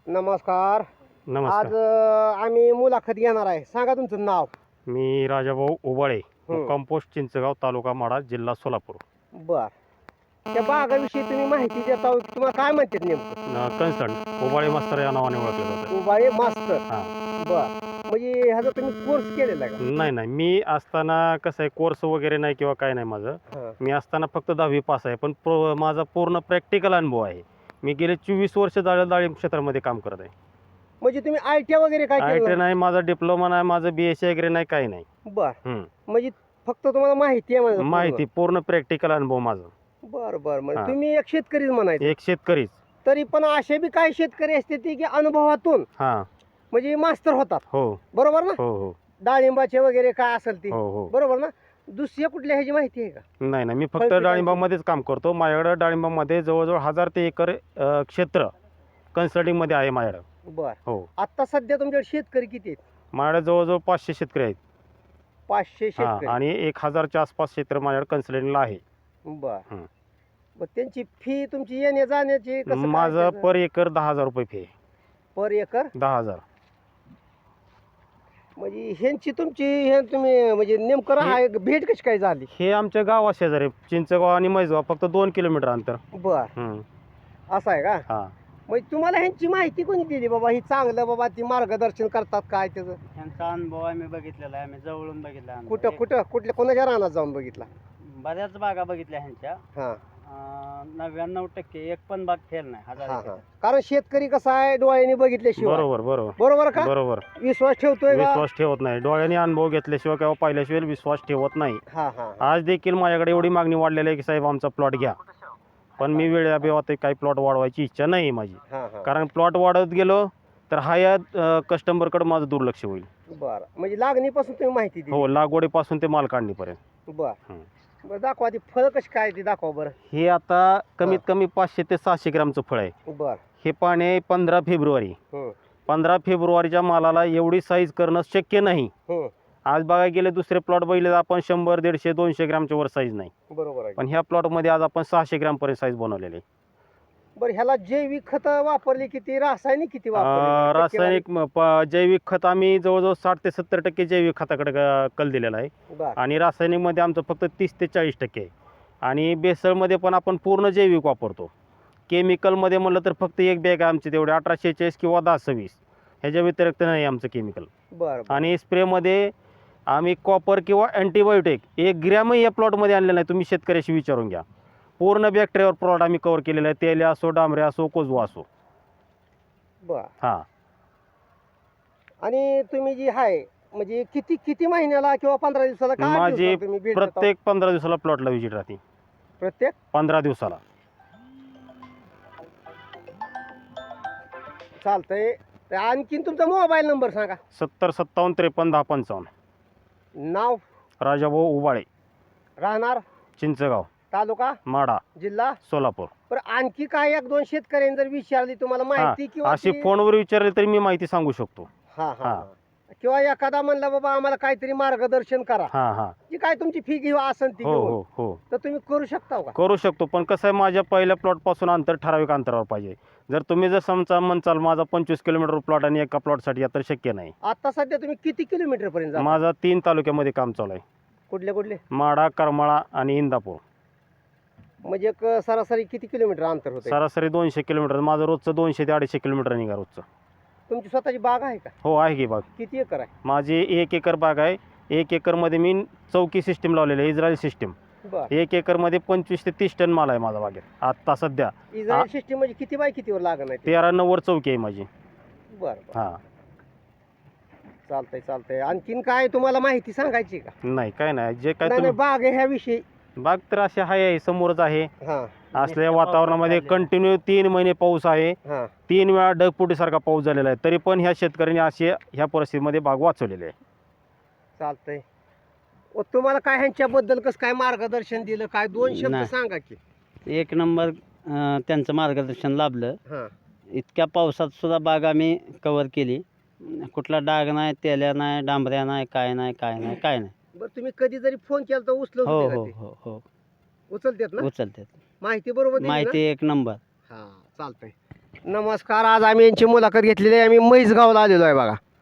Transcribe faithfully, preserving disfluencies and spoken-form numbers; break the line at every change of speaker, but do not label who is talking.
नमस्कार.
नमस्कार.
आज अ, आम्ही मुलाखत घेणार आहे. सांगा तुमचं नाव.
मी राजाभाऊ उबाळे,
हं.
कंपोस्ट चिंचगाव, तालुका माढा, जिल्हा सोलापूर.
बर. त्या बागाविषयी तुम्ही माहिती देता तुम्हाला काय म्हणतात नेमकं?
कन्सर्न उबाळे मास्तर या नावाने ओळखलं जातं.
उबाळे मास्तर.
हां.
बर. म्हणजे ह्याचा तुम्ही कोर्स केलेला आहे का?
नाही नाही मी असताना कसं आहे, कोर्स वगैरे नाही किंवा काय नाही माझं.
हां.
मी असताना फक्त दहावी पास आहे, पण प्रो माझा पूर्ण प्रॅक्टिकल अनुभव आहे. मी गेले चोवीस वर्ष डाळ डाळिंब क्षेत्रामध्ये काम करत आहे.
म्हणजे तुम्ही आय टी वगैरे काय
आय टी
केलं?
नाही, माझा डिप्लोमा नाही, माझं बी एस सी वगैरे नाही, काही नाही.
बर.
हं.
म्हणजे फक्त तुम्हाला माहिती आहे माझं पूर्ण?
माहिती पूर्ण प्रॅक्टिकल अनुभव माझा.
बर बर. म्हणजे
हां.
तुम्ही एक शेतकरीच म्हणायचं.
एक शेतकरीच.
तरी पण असे बी काही शेतकरी असते ते की अनुभवातून
हां.
म्हणजे मास्तर होतात.
हो
बरोबर ना?
हो हो
डाळिंबाचे वगैरे काय असेल ते.
हो हो.
बरोबर ना? दुसऱ्या कुठल्या ह्याची माहिती आहे का?
नाही नाही मी फक्त
फळपिकांची?
डाळिंबामध्येच काम करतो. माझ्याकडं डाळिंबामध्ये जवळजवळ हजार ते एकर अ, क्षेत्र कन्सल्टिंगमध्ये आहे माझ्याकडं.
बर.
हो.
आता सध्या तुमच्याकडे शेतकरी किती आहेत?
माझ्याकडे जवळजवळ पाचशे शेतकरी आहेत.
पाचशे
हां.
शेतकरी.
आणि एक हजारच्या आसपास क्षेत्र माझ्याकडे कन्सल्टिंगला आहे.
बर.
हं.
मग त्यांची फी तुमची येण्या जाण्याची कसं काय
माझं
त्याचं?
पर एकर दहा हजार रुपये फी आहे.
पर एकर
दहा हजार.
म्हणजे ह्यांची तुमची हे तुम्ही म्हणजे नेमकं राहा भेट कशी काय झाली?
हे आमच्या गावा शेजारी चिंचगाव आणि मैजगाव फक्त दोन किलोमीटर अंतर.
बर.
हं.
असं आहे का?
हां.
म्हणजे तुम्हाला ह्यांची माहिती कोणी दिली बाबा ही चांगलं बाबा ती मार्गदर्शन करतात काय त्याचं?
त्यांचा अनुभव आम्ही बघितलेला आहे, आम्ही जवळून बघितला अनुभव.
कुठं
एक-
कुठं कुठल्या कोणाच्या रानात जाऊन बघितला?
बऱ्याच बागा बघितल्या ह्यांच्या.
हां
अं, नव्याण्णव टक्के एक पण बाग फेल नाही. हजार
हां
एकर.
हां. कारण शेतकरी कसा आहे डोळ्यांनी बघितल्याशिवाय
बरोबर बरोबर
बरोबर का
बरोबर.
विश्वास ठेवतोय का?
विश्वास ठेवत नाही. डोळ्यांनी अनुभव घेतल्याशिवाय किंवा पाहिल्याशिवाय विश्वास ठेवत नाही.
हां हां.
आज देखील माझ्याकडे एवढी मागणी वाढलेली आहे की साहेब आमचा प्लॉट घ्या, पण मी वेळेअभावात काही प्लॉट वाढवायची इच्छा नाही आहे माझी.
हां हां.
कारण प्लॉट वाढत गेलो तर हा या कस्टमरकडे माझं दुर्लक्ष होईल.
बरं म्हणजे लागणीपासून तुम्ही माहिती दिली.
हो, लागवडीपासून ते माल काढणीपर्यंत.
बर.
हं.
बरं दाखवा ती फळ कशी काय ती दाखवा बरं.
हे आता कमीत कमी पाचशे ते सहाशे ग्रामचं फळ आहे.
बर.
हे पाणी आहे पंधरा फेब्रुवारी.
हं
पंधरा फेब्रुवारीच्या मालाला एवढी साईज करणं शक्य नाही.
हं.
आज बघायला गेले दुसरे प्लॉट बघितले तर आपण शंभर दीडशे दोनशे ग्रामच्या वर साईज नाही,
बरोबर आहे.
पण ह्या प्लॉटमध्ये आज आपण सहाशे ग्रामपर्यंत साईज बनवलेली आहे.
बरं ह्याला जैविक खत वापरली किती रासायनिक किती
अं,
वापरली?
रासायनिक म- प- जैविक खत आम्ही जवळजवळ साठ ते सत्तर टक्के जैविक खताकडे क- कल दिलेला आहे.
बर.
आणि रासायनिकमध्ये आमचं फक्त तीस ते चाळीस टक्के आहे. आणि बेसळमध्ये पण आपण पूर्ण जैविक वापरतो. केमिकलमध्ये म्हणलं तर फक्त एक बॅग आहे आमची तेवढे अठराशे चाळीस किंवा दहा सव्वीस, ह्याच्या व्यतिरिक्त नाही आमचं केमिकल.
बर.
आणि स्प्रेमध्ये आम्ही कॉपर किंवा अँटीबायोटिक एक ग्रॅमही या प्लॉटमध्ये आणलेलं नाही. तुम्ही शेतकऱ्याशी विचारून घ्या. पूर्ण बॅक्टेरियावर प्लॉट आम्ही कव्हर केलेला आहे. तेल असो, डांबरे असो, कोजवा असो.
बर.
हां.
आणि तुम्ही जी आहे म्हणजे किती किती महिन्याला किंवा पंधरा दिवसाला काय
माझी
दिवसाला तुम्ही भेट देता?
प्रत्येक पंधरा दिवसाला प्लॉटला व्हिजिट राहते.
प्रत्येक
पंधरा दिवसाला.
चालतंय. तर आणखीन तुमचा मोबाईल नंबर सांगा.
सत्तर सत्तावन्न त्रेपन्न दहा पंचावन्न.
नाव
राजाभाऊ उबाळे,
राहणार
चिंचगाव,
तालुका
माढा,
जिल्हा.
सोलापूर.
बरं आणखी काय एक दोन शेतकऱ्यांनी जर विचारली तुम्हाला माहिती किंवा
अशी
ती-
फोनवर विचारले तरी मी माहिती सांगू शकतो.
हा हा
हां.
हा. किंवा एखादा म्हणला बाबा आम्हाला काहीतरी मार्गदर्शन करा,
हां हां.
जी काय तुमची फी घेऊ असेल ती
हो
घेऊन
हो हो
तर तुम्ही करू शकता का?
करू शकतो, पण कसं आहे माझ्या पहिल्या प्लॉटपासून अंतर ठराविक अंतरावर पाहिजे. जर तुम्ही जर समजा म्हणचाल माझा पंचवीस किलोमीटर प्लॉट आणि एका प्लॉटसाठी या तर शक्य नाही.
आता सध्या तुम्ही किती किलोमीटर पर्यंत जाता?
माझा तीन तालुक्यामध्ये काम चालू आहे.
कुठले कुठले
माढा, करमाळा आणि इंदापूर.
म्हणजे एक सरासरी किती किलोमीटर अंतर होतं?
सरासरी दोनशे किलोमीटर. माझं रोजचं दोनशे ते अडीचशे किलोमीटर निघा रोजचं.
तुमची स्वतःची बाग आहे का?
हो आहे की बाग.
किती एकर आहे?
माझी एक एकर बाग आहे. एक एकरमध्ये मी चौकी सिस्टीम लावलेली आहे, इस्रायल सिस्टीम.
बर.
एक एकरमध्ये पंचवीस ते तीस टन माल आहे माझा बागेत आत्ता सध्या.
इस्रायल सिस्टीम म्हणजे किती बाय कितीवर लागण आहे ते?
तेरा नव्वद चौकी आहे माझी.
बर बर.
हां.
चालतंय चालतंय. आणखीन काय तुम्हाला माहिती सांगायची का?
नाही काय नाही, जे काय
नाही नाही,
तुम्ही
बाग आहे ह्या विषयी.
बाग तर असे आहे समोरच आहे.
हा
असल्या वातावरणामध्ये कंटिन्यू तीन महिने पाऊस आहे.
हा.
तीन वेळा ढगफुटीसारखा पाऊस झालेला आहे, तरी पण ह्या शेतकऱ्यांनी असे ह्या परिस्थितीमध्ये बाग वाचवलेली आहे.
चालतंय. व तुम्हाला काय ह्यांच्याबद्दल कसं काय मार्गदर्शन दिलं काय दोन शब्द
नाही.
सांगा की.
एक नंबर अं, त्यांचं मार्गदर्शन लाभलं.
हा
इतक्या पावसात सुद्धा बाग आम्ही कव्हर केली. कुठला डाग नाही, तेल्या नाही, डांबऱ्या नाही, काय नाही, काय नाही, काय नाही.
बरं तुम्ही कधी जरी फोन केला तर उचलत
हो
होते
हो
का ते?
हो हो
उचलतात ना?
उचलतात.
माहिती बरोबर दिली ना?
माहिती एक नंबर.
हा चालतंय. नमस्कार, आज आम्ही यांची मुलाखत घेतलेली आहे. आम्ही म्हैसगावला आलेलो आहे बघा.